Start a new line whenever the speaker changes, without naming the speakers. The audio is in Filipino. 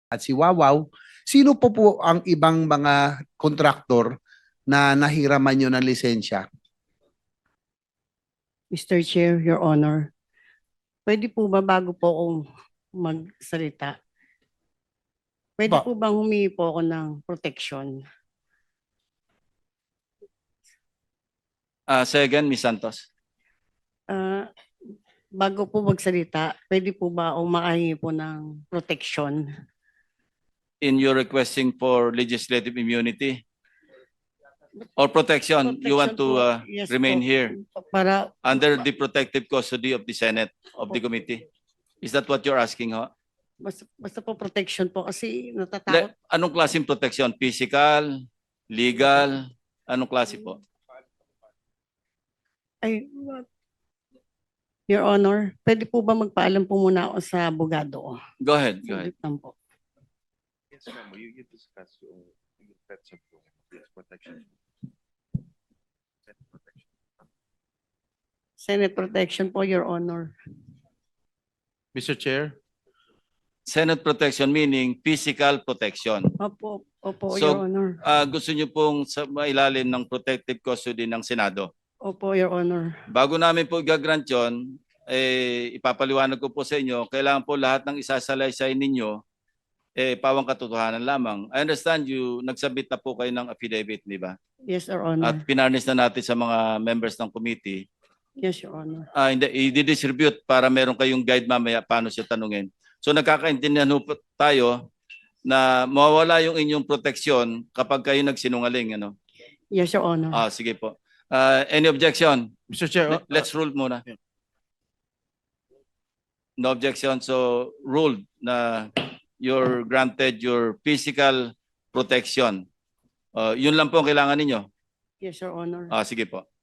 at si Wawaw, sino po ang ibang mga kontraktor na nahiraman nyo ng lisensya?
Mr. Chair, Your Honor, pwede po ba bago po akong magsalita, pwede
Ba-
po bang humingi po ako ng protection?
Say again, Ms. Santos.
Ah, bago po magsalita, pwede po ba akong makahingi po ng protection?
In your requesting for legislative immunity or protection, you want to
Protection po, yes
remain
po.
here
Para
under the protective custody of the Senate, of the committee. Is that what you're asking, ho?
basta po protection po kasi natatakot.
Anong klaseng protection? Physical, legal, anong klase po?
Ay, Your Honor, pwede po ba magpaalam po muna ako sa abogado?
Go ahead, go ahead.
Saglit lang po.
Yes, ma'am. You discuss yung pets of yes, protection. Pet protection.
Senate protection po, Your Honor.
Mr. Chair,
Senate protection meaning physical protection.
Opo, opo,
So,
Your Honor.
Gusto niyo pong sa mailalim ng protective custody ng Senado.
Opo, Your Honor.
Bago namin po gagrant yun, ipapaliwanag ko po sa inyo, kailangan po lahat ng isasalaysay ninyo, pawang katotohanan lamang. I understand you, nagsabit na po kayo ng affidavit, di ba?
Yes, Your Honor.
At pinarnis na natin sa mga members ng committee.
Yes, Your Honor.
Hindi, i-distribute para meron kayong guide mamaya paano siya tanungin. So nagkakaintindihan po tayo na mawawala yung inyong proteksyon kapag kayo nagsinungaling. Ano?
Yes, Your Honor.
Sige po. Any objection?
Mr. Chair,
Let's rule muna. No objection. So ruled na you're granted your physical protection. Yun lang po ang kailangan ninyo.
Yes, Your Honor.
Sige po.